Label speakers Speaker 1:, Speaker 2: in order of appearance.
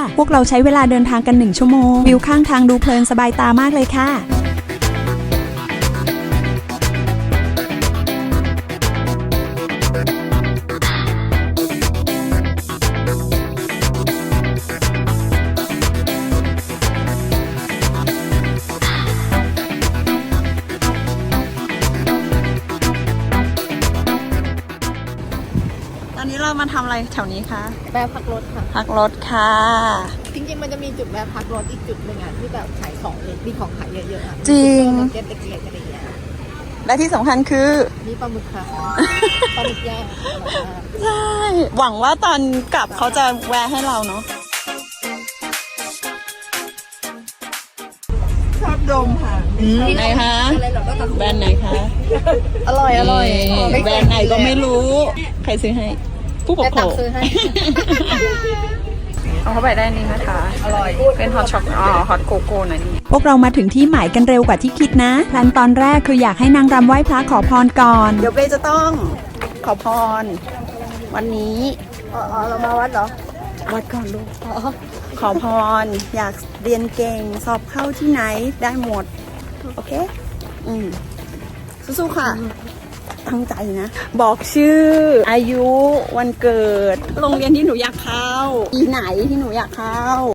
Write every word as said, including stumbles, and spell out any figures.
Speaker 1: พวกเราใช้เวลาเดินทางกันหนึ่งชั่วโมงวิวข้างทางดูเพลินสบายตามากเลยค่ะตอนนี้เรามาทำอะไรแถวนี้คะ
Speaker 2: แวะพักรถค่ะ
Speaker 1: พักรถค่ะ
Speaker 2: จริงๆมันจะมีจุดแวะพักรถอีกจุดหนึ่งอ่ะที่แบบขายของเลยมีของขายเยอะๆอ่ะ
Speaker 1: จริง
Speaker 2: เก็ตเล็กๆอะไรอย่างเงี้ย
Speaker 1: และที่สำคัญคือ
Speaker 2: มีปลาหมึกค่ะปลาหมึกย่าง
Speaker 1: ใช่หวังว่าตอนกลับเขาจะแวะให้เราเนาะชอบดมค่ะไหนคะแบรนด์ไหนคะ
Speaker 2: อร่อยอร่อย
Speaker 1: แบรนด์ไหนก็ไม่รู้ใครซื้อให้ผู้ปกครอง
Speaker 2: ซื้อให้
Speaker 1: เอาเข้าไปได้นี่นะคะอร่อยเป็นฮอตช็อกอ๋อฮอตโกโก้นะนี่พวกเรามาถึงที่หมายกันเร็วกว่าที่คิดนะแพลนตอนแรกคืออยากให้นางรำไหว้พระขอพรก่อนเดี๋ยวเบจะต้องขอพรวันนี้
Speaker 2: อ๋อเรามาวัดเหรอ
Speaker 1: วัดก่อนลูกขอพรอยากเรียนเก่งสอบเข้าที่ไหนได้หมดโอเคอืมสู้ๆค่ะตั้งใจนะบอกชื่ออายุวันเกิดโรงเรียนที่หนูอยากเข้าปีไหนที่หนูอยากเข้า